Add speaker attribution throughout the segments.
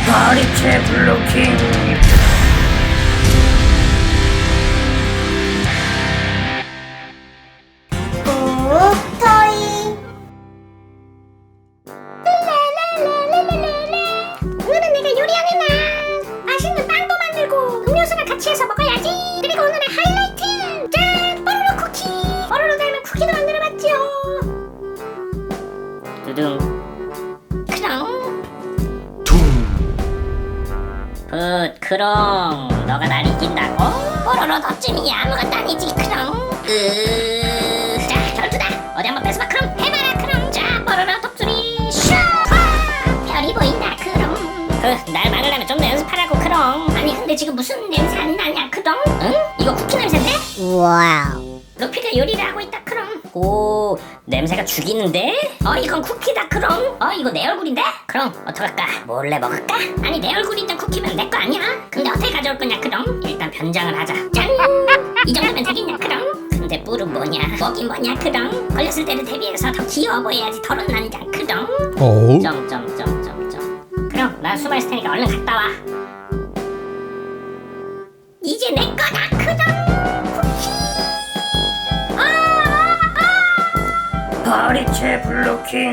Speaker 1: 파리채 블로킹.
Speaker 2: 옥토이. 오늘은 내가 요리하는 날. 맛있는 빵도 만들고 음료수랑 같이 해서 먹어야지. 그리고 오늘의 하이라이트, 짠! 뽀로로 쿠키. 뽀로로 닮은 쿠키도 만들어봤지요.
Speaker 1: 두둥
Speaker 2: 그럼
Speaker 1: 굿 크롱, 너가 날 이긴다고?
Speaker 2: 뽀로로 덧짐이 아무것도 아니지. 그럼 자, 결투다. 어디 한번 뺏어봐. 그럼 해봐라. 그럼 자, 뽀로로 독수리 슈. 별이 보인다. 그럼
Speaker 1: 날 막으려면 좀 더 연습하라고 크롱.
Speaker 2: 아니 근데 지금 무슨 냄새 안 나냐. 그럼 응? 이거 쿠키 냄새인데?
Speaker 3: 와우.
Speaker 2: 루피가 요리를 하고 있다. 그럼
Speaker 1: 오, 냄새가 죽이는데?
Speaker 2: 이건 쿠키다. 그럼 이거 내 얼굴인데? 그럼 어떡할까?
Speaker 1: 몰래 먹을까?
Speaker 2: 아니 내 얼굴 있던 쿠키면 내 거 아니야? 근데 어떻게 가져올 거냐? 그럼
Speaker 1: 일단 변장을 하자.
Speaker 2: 짠! 이 정도면 되겠냐? 그럼
Speaker 1: 근데 뿔은 뭐냐?
Speaker 2: 뭐긴 뭐냐? 그럼 걸렸을 때를 대비해서 더 귀여워 보여야지. 더러운 남자. 그럼
Speaker 4: 오.
Speaker 1: 점점점점점. 그럼 난 숨어있을 테니까 얼른 갔다 와.
Speaker 2: 이제 내 거다. 그럼 쿠키.
Speaker 1: 파리채 블로킹.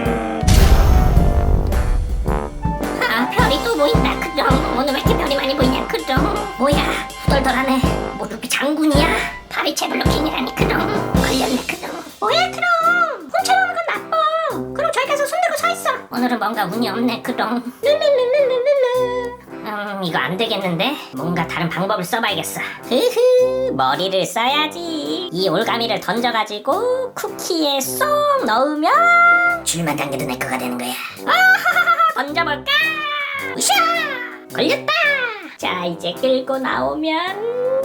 Speaker 2: 별이 또 보인다. 그럼 오늘 왜 이렇게 별이 많이 보이냐? 그럼 뭐야? 후덜덜하네. 뭐 루피 장군이야? 파리채 블로킹이라니. 그럼 걸렸네. 그럼 뭐야? 그럼 훔쳐먹는 건 나빠. 그럼 저기 가서 손들고 서 있어. 오늘은 뭔가 운이 없네. 그럼 룰루루루루루.
Speaker 1: 이거 안 되겠는데? 뭔가 다른 방법을 써봐야겠어. 흐흐, 머리를 써야지. 이 올가미를 던져가지고 쿠키에 쏙 넣으면
Speaker 2: 줄만 당겨도 내 거가 되는 거야.
Speaker 1: 던져볼까?
Speaker 2: 으쌰! 걸렸다.
Speaker 1: 자, 이제 끌고 나오면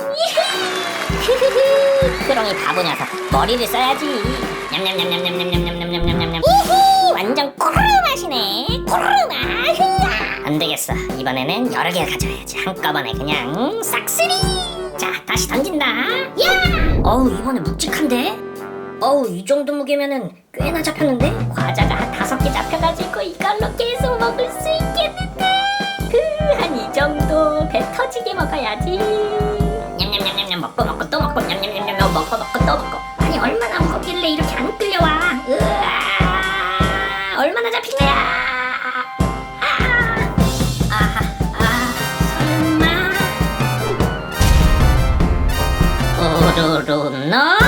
Speaker 1: 히히히. 크롱이 바보 녀석, 머리를 써야지. 냠냠냠냠냠냠냠냠냠냠냠냠.
Speaker 2: 히히, 완전 꼬르르 맛이네. 꼬르르 맛. 흐아.
Speaker 1: 안 되겠어. 이번에는 여러 개를 가져야지. 한꺼번에 그냥 싹쓸이. 자, 다시 던진다.
Speaker 2: 야!
Speaker 1: 어우, 이번에 묵직한데? 어우, 이 정도 무게면은 꽤나 잡혔는데? 과자가 한 5개 잡혀가지고 이걸로 계속 먹을 수 있겠는데? 한 이 정도 배 터지게 먹어야지. 냠냠냠냠냠, 먹고 먹고 또 먹고, 냠냠냠냠, 먹고 먹고 또 먹고.
Speaker 2: 아니 얼마나 먹길래 이렇게 안 끌려와. 으아.
Speaker 1: 얼마나 잡힌 거야? 설마. 오로로 너